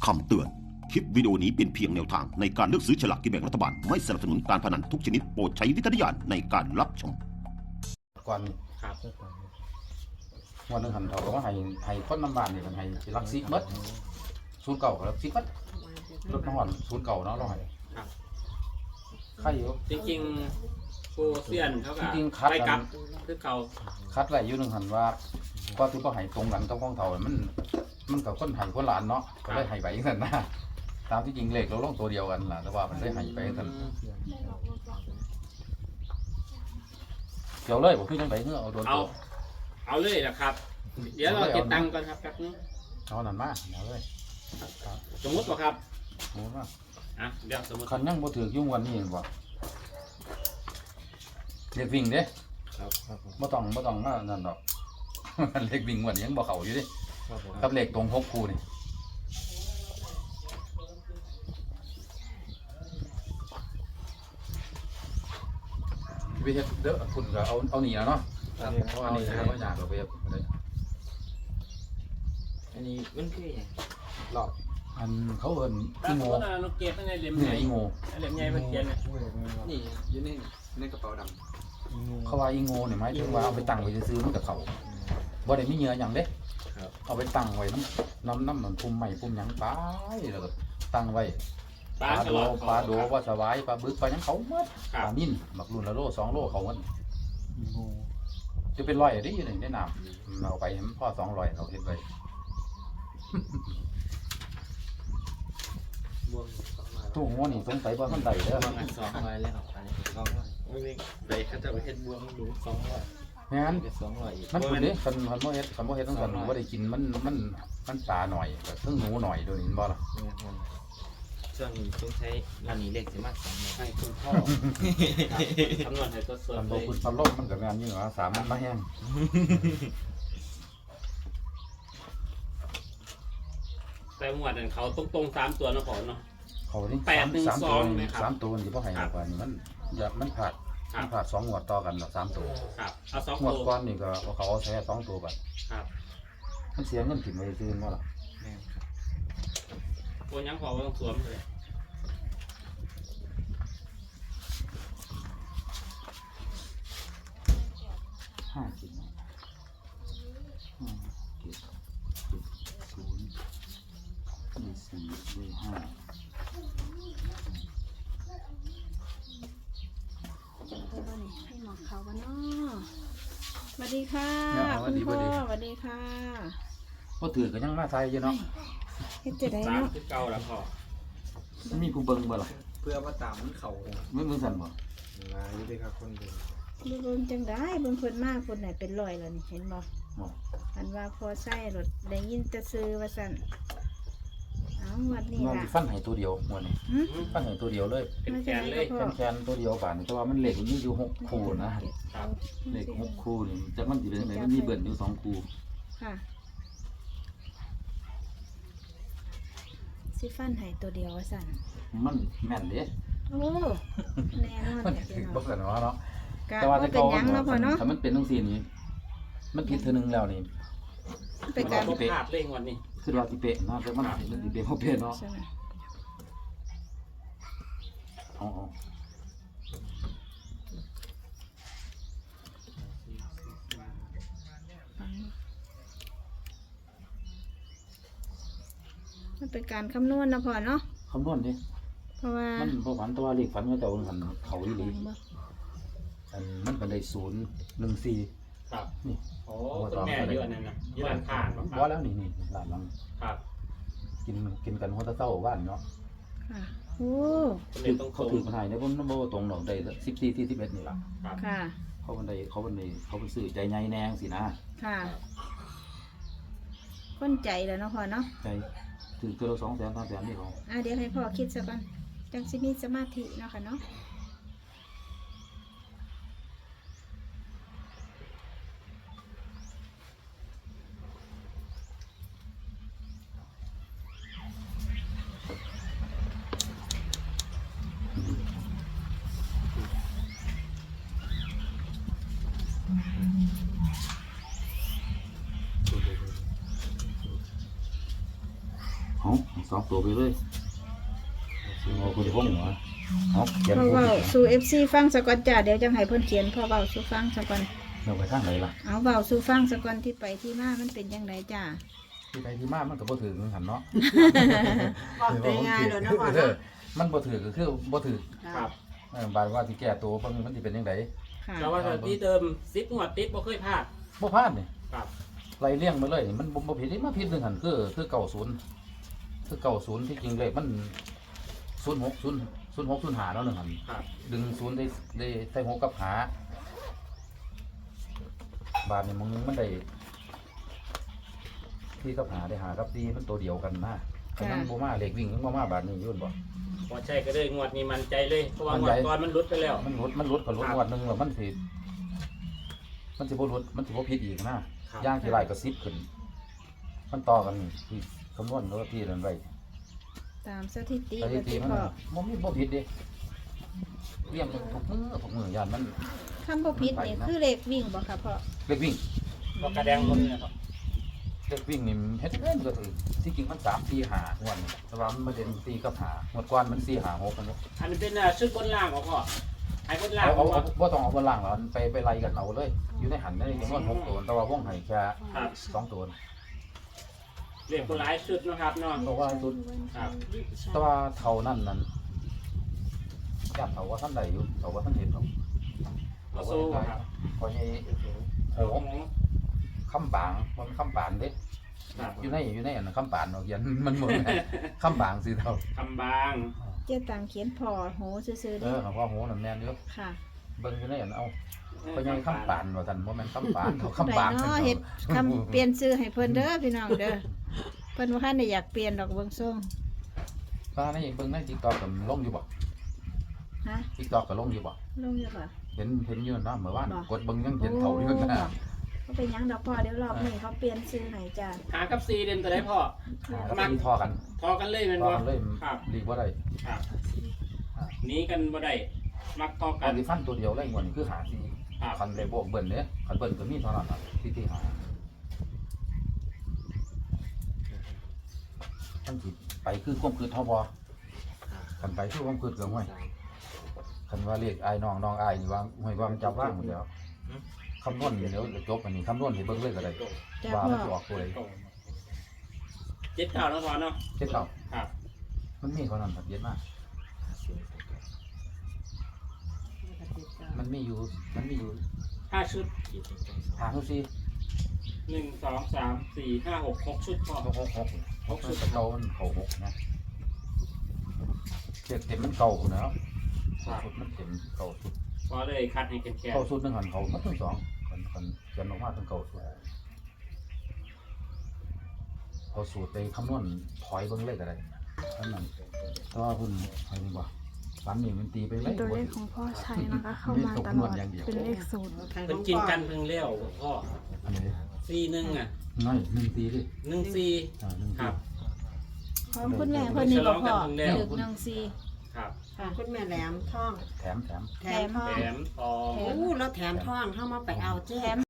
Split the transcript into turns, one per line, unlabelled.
คำเตือน คลิปวิดีโอนี้เป็นเพียงแนวทางในการเลือกซื้อฉลากกินแบ่งรัฐบาล ไม่สนับสนุนการพนันทุกชนิดโปรดใช้วิจารณญาณในการรับชม
ก่อน
ครับ
วันนึงหันเขาก็ว่าให้คนน้ำบานนี่มันให้รักซิเบิดศูนย์เก่ากับรักซิเบิดรถน้ำหอนศูนย์เก่าเนาะเราให้
ครับ
ใครอยู่
จริงๆโปรเซียนเขาก็
จริงๆคัด
ไปกลับคือเขา
คัดไรอยู่หนึงหันว่าก็ที่พ่อให้ตรงกันกับของเขามันกับคนให้คนหลานเนาะก็ได้ให้ไปอย่างนั้นนะตามที่จริงเลขเราลงตัวเดียวกันล่ะแต่ว่ามันได้ให้ไปอย่างนั้นเกี่ยวเลยผมคือจังไดเงื่อเอาโดน
เอา
ตัว
เอาเลยนะครับ เดี๋ยวเราเก็บตังค์ก่อนครับแป๊บนึง
เอานั่นมาเอาเลย
สมมติว่าครับ
หมูมา
อ่ะเดี๋ยวสมมติ
คันยังบ่ถือยุ่งวันนี้บ่เรียกวิ่งเด้
ครับ
บ่ต้องมานั่นดอก เลขวิ่งวันยังบ่เข้าอยู่เดิ
ครับผม
กับเลขตรง6คู่นี่ไปเฮ็ดเด้อคุณก็เอานี่นะเนาะเพราะว่าอันนี้บ่ยากเราไปเฮ็ดได้
อันนี้มันคืออย่างหลอด
อันเขาเอิ้น
ถ้า
อี
สม
โง
มติว่าเราเก็บไว้ในเหลี่ยม
นี่
ใหญ่
อีโง
เหลี่ยมใหญ่เพื่อเขียนเนี่ย
นี่อยู่ในกระเป๋าด
เขาว่าอีโงนี่หมายถึงว่าเอาไปตั้งไว้ซื่อๆมันก็เข้าบ่ได้มีเหงื่อหยังเด้เอาไปตั้งไว้น้ำมันพุ่มใหม่พุ่มหยังไปแล้วก็ตั้งไว้
ปลาตลอด
ปลาโดปลาสวายปลาบึกปลาหยังเขาหมด
ครั
ป
บ
ลานิ่นบักรุ่นละโล2 โลเขาหมดจะเป็นร้อยได้อยู่ในน้ำเอาไปให้มันพ่อ200เราเฮ็ดไว้
ำบวง200
ตู้หัวนี่สงสัยว่ามันได้เด้อบ
วงอัน200แล้วอันนี้200ไม่ได้เขาจะไปเฮ็ดบวงดู200
งั้น
เป็น200อีก
มันคุณเด้คันบ่เฮ็ดต้องกันบ่ได้กินมันปลาหน่อยก็ถึงหนูหน่อยโดยวนี้บ่ล่ะ
ช่วงนี้ต้องใช้อันนี้เลขสิมา200
ให้คุณพ่อคำนวณให้ตัวส่วน
มัน
เล
บ่
ย
คุณพันลมมันก็แม่นอยู่ว่าสามมันมาแห้ง
แต่หมวดนั้นเขาตรงๆ3ตัวเนาะขอเนาะ
เขานี่
812
สามตัว
ไหมครับ
3ตัวนี่บ่ให้มากกว่านี่มันผาด
ครับ
มันผาด2งวดต่อกันหรอก3ตัว
ครับเอาสอง
งวด
ตัว
ก่อนนี่ก็เขาเอาแค่2ตัวบัด
ครับ
มันเสียเงินถิ่มไปซื้อบ่ล่ะ
แม่นครับ
โอ้ยังพอว่าต้องสวมเลย
5กิน
ให้หมอเขากันเนาะสวัสดีค่ะคุณพ่อสวัสดีค่ะ
บ่ถือก็ยังมาใส่อยู่เนาะ
เฮ็ดจะได้
สาม
เนาะ
คือเก่าแล้วพ่อ
มันมีผู้เบิ่งบ่ล่ะ
เพื่อว่าตามมันเข้า
มึงสั่นบ่
มาอยู่ด้วยครับคนเดียว
เบิ่งจังได้เบิ่งเพิ่นมากคนไหนเป็นรอยแล้วนี่เห็นบ่
บ่
อันว่าพอใส่รถได้ยินแต่ซื้อว่าซั่นเอาวันนี้
มัน
ล่ะ
ฟันให้ตัวเดียวหมดนี่
หึ
ฟันให้ตัวเดียวเลย
เป็นแขนเลย
แคนตัวเดียวบาดนี่แต่ว่ามันเหล็กมันมีอยู่6คู่นะครับ เหล็ก6คู่นี่แต่มันสิเป็นจังไดมันมีเบิ่นอยู่2คู่
ค่ะสิฟันให้ตัวเดียวว่าซั่น
มันแม่นเด้
โอ้แน่นอน
มัน
แท้
ถึ
พี่
ง
น้
บ่
อง
กันว่าเนาะ
กะ
แต่ว่า
บ่
แต่
เป็น
เก่า
หยังเนาะพ่อเนาะ
ถ้ามันเป็นจังซี่นี่มันผิดเทื่อนึงแล้วนี่
เป็น
กา
การ ร
พลาดเร่งวันนี้
คือว่าสิเป๊ะเนาะแต่มันสิเป๊ะบ่เป๊ะเนาะ
ใช่ไหม
อ๋อๆ
มันเป็นการคำนวณนะพ่อเนาะ
คำนวณดิ
เพราะว่า
มันบ่ฝันแต่ว่าเลขฝันเขาเจ้าหันเขาอีหลี
บ่
อันมันก็ได้014
ครับ
นี่
โอ้คุณแม่เยอะนั่นนะเยอะอันขาดค
ว่า
รับ
แล้วนี่ร้านหลัง
ครับ
กินกันหัวตะเต้าบ้านเนาะ
ค่ะโอ้
คนเล่นต้อง
เขา
ตร
ถือง มาให้เนี่ยผมบ่ตรงดอกได้14ที่11นี่ล่ะ
ครับ
ค่ะ
เขาเป็นซื้อใจใหญ่แนงสินะ
ค่ะค้นใจแล้วเนาะพ่อเนาะ
ใจถือตัวละ200,000 300,000นี่เขา
เดี๋ยวให้พ่อคิดซะก่อนจังสิมีสมาธิเนาะค่ะเนาะ
2ตัวไปเลยสิเอาคุณพงษ์เหรอเอาเขียน
พ่อ
ผู้
เว้าสู่ FC ฟังซะก่อนจ้าเดี๋ยวจังให้เพิ่นเขียนพ่อเว้าสู่ฟังซะก่อน
เดี๋ยวไปทางไหนล่ะ
เอาเว้าสู่ฟังซะก่อนที่ไปที่มามันเป็นจังไดจ้า
ที่ไปที่มามันก็บ่ถือหันเนาะ
บอกไปง่ายเลยนะพ่อ
เอ
เนาะ
อมันบ่ถือก็คือบ่ถือ
ครับ
บาดว่าสิแก้ตัวเบิ่งมันสิเป็นจังได
ค่ะ
เราว่าที่เดิม10งวดติดบ่เคยพลาด
บ่พลาดนี่
ครับ
ไล่เลี้ยงมาเลยมันบ่ผิดนี่มาผิดหนึงหันคือ90คือ90ที่จริงเลขมัน0605เนาะหนึงหัน
ครับ
ดึง0ได้ใส่6กับหาบาดนี่มึงมันได้ที่กับหาได้หากับดีมันตัวเดียวกันนะคันมันบ่มาเลขวิ่งมันบ่มาบาดนี้ยุ่นบ่
พอใช่ก็เลยงวดนี้มันใจเลยเพราะว่า
มั่
ง
น
ว
ใจ
ดก่อนมันหลุดไปแล้ว
มันหลุดก็หลุดงวดหนึงแล้วมันสิบ่หลุดมันสิบ่ผิดอีกนะย่างที่ไรก็10ขึ้น มันต่อกันนี่ที่คำนวณแล้วที่นั่นไว้
ตามสถิติ
สถิ
ก็
ติ
ที่
มัน
พ่อ
บ่ผิดเด้เรียงทุกมือยานมัน
คำบ่ผิดนี่คือเลขวิ่งบ่ค่ะพ่อ
เลขวิ่ง
บ่กระแดงคนเนี่ยครับ
เลขวิ่งนี่เฮ็ดเล่นก็ถือที่จริงมัน3 4 5งวดนี่แต่ว่ามันมาเด่น4กับ5งวดก่อนมัน4 5 6กันเนาะ
อันนี้เป็นชุดบนล่างของพ่อไอ้บนล่าง
เอา
ของพ่อ
บ่ต้องเอาบนล่างหรอกไปไล่กันเอาเลย อยู่ในหันได้จำนวน6ตัวแต่ว่าวงให้แค่
ครับ
2ตัว
เรียกคนหลายชุดนะครับเนาะ
เพราะว่าสุด
ครับ
แต่ว่าเท่านั้นจับเขาว่าท่านใดอยู่เขาว่าท่านเห็นเขา
เอาสู้ครับ
พอนี้โหคำบางมันคำบานเด้
ครับ
อยู่ในอันนั้นคำบานเนาะเขียนมันหมดคำบางสิเท่า
คำบาง
เจ๊ตังเขียนพ่อโหซื่อๆ
เอ
เด้
อของพ่อโหนั่นแม่นเยอะ
ค่ะ
เบิ่งอยู่ในอันเอาพอยังคำบานว่าท่านบ่แม่นคำบานเขาคำบาง
ได้เนาะเฮ็ดคำเปลี่ยนชื่อให้เพิ่นเด้อพี่น้องเด้อเพิ่นว่าคันได้อยากเปลี่ยนดอกเบิ่งส่ง
ป้าในเบิ่งใน TikTok ก็ลงอยู่บ่
ฮะ
TikTok ก็ลงอยู่บ่
ลงอยู่บ่
เห็นอยู่เนาะเมื่อวาน
บ่
กดเบิ่งยังเห็นเท่าอยู่นะ
ก็เป็นหยังดอกพ่อเดี๋ยวรอบนี้เขาเปลี่ยนชื่อให้จ้า
หากับซีเด่นตัวได้พ่อ
ก็มีทอกัน
ทอกันเลยแมัน
ทอ
บ่
กันเลย
ครับ
ดีบ่ได้
ครับหนีกันบ่ได้มักทอกั
อั
น
นที่ฟันตัวเดียวเลยงวดนี้คือหาที่
ครับ
คันเลยบวกเบิ่นเนี่ยคันเบิ่นก็มีเท่านั้นน่ะที่หาท่านสิไปคือความคืดเท่าบ่คันไปคือความคืดก็ห้วยคันว่าเรียกอายน้องอายนี่ว่าห้วยว่ามันจับว่างหมดแล้วคำนวณเดี๋ยวจบอันนี้คำนวณให้เบิ่งเลยก็ได้
จ้า
ว่า
พ่
มัน
อ
สิออกตัวใด
เจ็ดเก้าแล้วพอเนาะ
เจ็ดเก้า
ครับ
มันมีเท่านั้นครับเย็นมากมันมีอยู่
5 ชุด
หาทุกซี่
1 2 3 4 5 6 6 ชุดพ่อ
หกชุดเก่ามันเก่า6นะเต็มมันเก่าพุ่นแล้วชุดมันเต็มเก่าสุด
พอเลยคัดให้แข็ง
เก่าสุดหนึ่งหันเขามันทั้งสองคนยันออกมาทั้งเก่าสุดเขาสูตรไปคำนวณถอยเบิ้งเลขอะไรนั่นนั่นแต่ว่าคุณอะไรนี่บ่ฝันนี่มันตีไปเลย
ตัวเลขของพ่อชัยนะคะ เข้ามาตลอดเป็นเลขศูนย์
ๆเป็นกินกันเพิ่งเลี้ยวพ่อ
อันนี้
4 1อ่ะ
น้อยหนึ่งตีดิ
1 4
หนึ่ง
ค
ตี
รับ
ของคุณแม่เพิ่นนี่บ่พ่อ
ฉลองกันเพิ่งแล้ว
ดึก14
ครับ
ค่ะคุณแม่แหลมท่อง
แถม
แถมทอง
แถมทอง
โอ้แล้วแถมท่องเข้ามาไปเอาเจ้
แถม